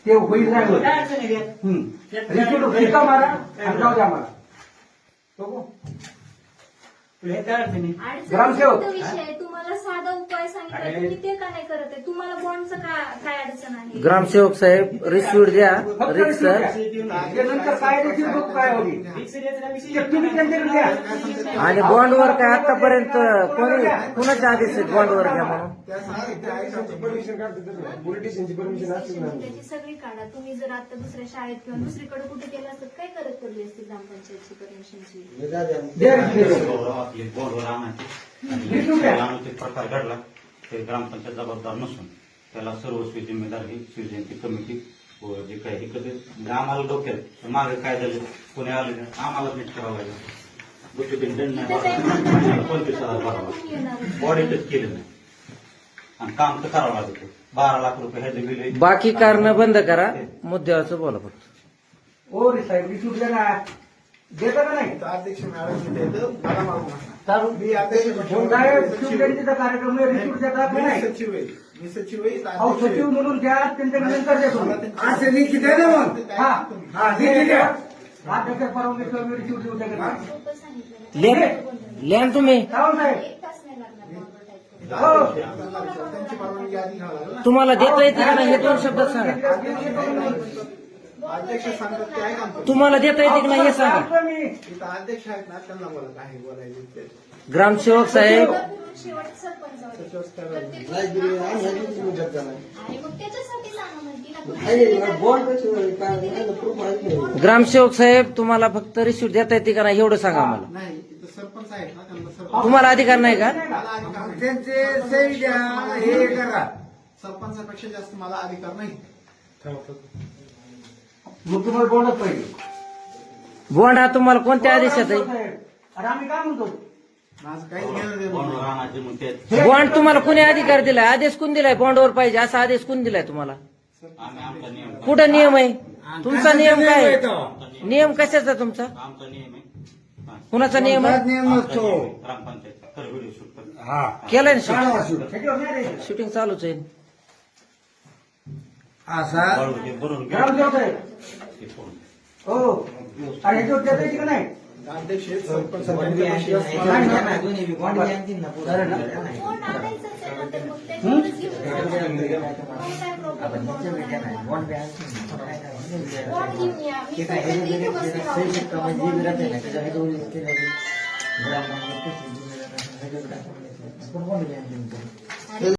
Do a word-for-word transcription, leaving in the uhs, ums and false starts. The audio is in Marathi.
ते होईल नाही होईल. हम्म. रिपोर्ट फेका मारा आणि जाऊ द्या मला. बघू. ग्रामसेवक. अडचण विषय तुम्हाला साधा उपाय सांगितला तुम्ही ते का नाही करत आहे? तुम्हाला बॉन्डचं काय अडचण आहे? ग्रामसेवक साहेब रिस्वीट द्या रिक्स नंतर काय देखील बघू काय होईल ते तुम्ही त्यांच्याकडे द्या. आणि बॉन्डवर काय आतापर्यंत कोणी कुणाचे आदेश आहेत बॉन्डवर घ्या म्हणून? त्याची सगळी काढा. तुम्ही जर आता दुसऱ्या शाळेत किंवा दुसरीकडे कुठे गेला असतात काय करत पडली असती ग्रामपंचायतची परमिशनची? आपले बोर्डवर आणायचे आणि प्रकार घडला ते ग्रामपंचायत जबाबदार नसून त्याला सर्वस्वी जिम्मेदार ही शिवजयंती कमिटी व जे काही हे कधी म्हणजे आम्हाला डोक्यात मागे काय झालं कोणी आलं नाही आम्हाला नीट करावं लागेल. दुसरीकडे दंड नाही भरावा पंचवीस हजार भरावा ऑडिटच केलं नाही आणि काम तर करावं लागतं. बारा लाख रुपये ह्याचे बिल बाकी कारण बंद करा मुद्द्यावरचं बोला फक्त. ओ रे साहेब रिपोर्ट द्या ना. देता का नाही? अध्यक्ष मॅडम देतं मला मागू नका. मी साहेब शिवजयंतीचा कार्यक्रम आहे, रिपोर्ट देता का नाही? सचिव आहे मी सचिव आहे अहो सचिव म्हणून द्या त्यांच्याकडे नंतर देतो. असं लिखित द्या ना मग. हा हा लिखित द्या. अध्यक्ष परवानगी मी रिपोर्ट देऊ शकत नाही. सोपं सांगितलं. लिहा ना तुम्ही. राव साहेब. एक तास नाही लागणार बॉन्ड टाईप करून. हो. त्यांची परवानगी आधी घ्यावं लागेल ना. तुम्हाला देता येते का नाही हे दोन शब्दात सांगा. अध्यक्ष सांगतात ते ऐका ना. तुम्हाला देता येते की नाही हे सांगा. इथं अध्यक्ष आहेत ना त्यांना बोला काय बोलायचं ते. ग्रामसेवक साहेब शेवट सरपंच जाऊ दे. सचिवच करायला. आणि मग त्याच्यासाठी सांगा म्हणते ना. ग्रामसेवक साहेब तुम्हाला फक्त रिसिव्ह देता येते का नाही एवढं सांगा मला. नाही इथं सरपंच आहेत ना त्यांना सरपंच तुम्हाला अधिकार नाही का? मला अधिकार नाही. त्यांचे सही द्या हे करा. सरपंचापेक्षा जास्त मला अधिकार नाही. मग तुम्हाला बोलत पाहिजे. बॉन्ड हा तुम्हाला कोणत्या आदेशात आहे? अरे आम्ही काय म्हणतो माझं काही घेणं देणं बोर्डवर नाही. आणायचे मग ते बॉन्ड तुम्हाला कोणी अधिकार दिलाय? आदेश कोण दिलाय बॉन्डवर पाहिजे असा आदेश कोण दिलाय तुम्हाला? आम्ही आमचा नियम कुठं नियम आहे तुमचा? नियम काय आहे? नियम कशाचा तुमचा? आमचा नियम आहे हा. कुणाचा नियम आहे? ग्रामपंचायत कर व्हिडिओ शूट कर केलाय ना शूटिंग? त्याच्यावर नाही रे. शूटिंग चालूच आहे. बरोबर ते बरोबर घ्या. ग्रामसेवक साहेब. ते सोडून. हो अरे ह्याच्यावर देता येते का नाही? अध्यक्ष आहेत, सरपंच त्यांच्यापेक्षा जास्त मला नाही, अधिकार नाही, नाही. नाही. बरं ना? बॉन्ड आणायचंच आहे ना तर मग त्याच्यावरच घेऊन जा. मग काय प्रॉब्लेम? बॉन्ड घेऊन या. मी सगळ्यात इथे बसते राहू शकतो. बॉन्ड घेऊन या.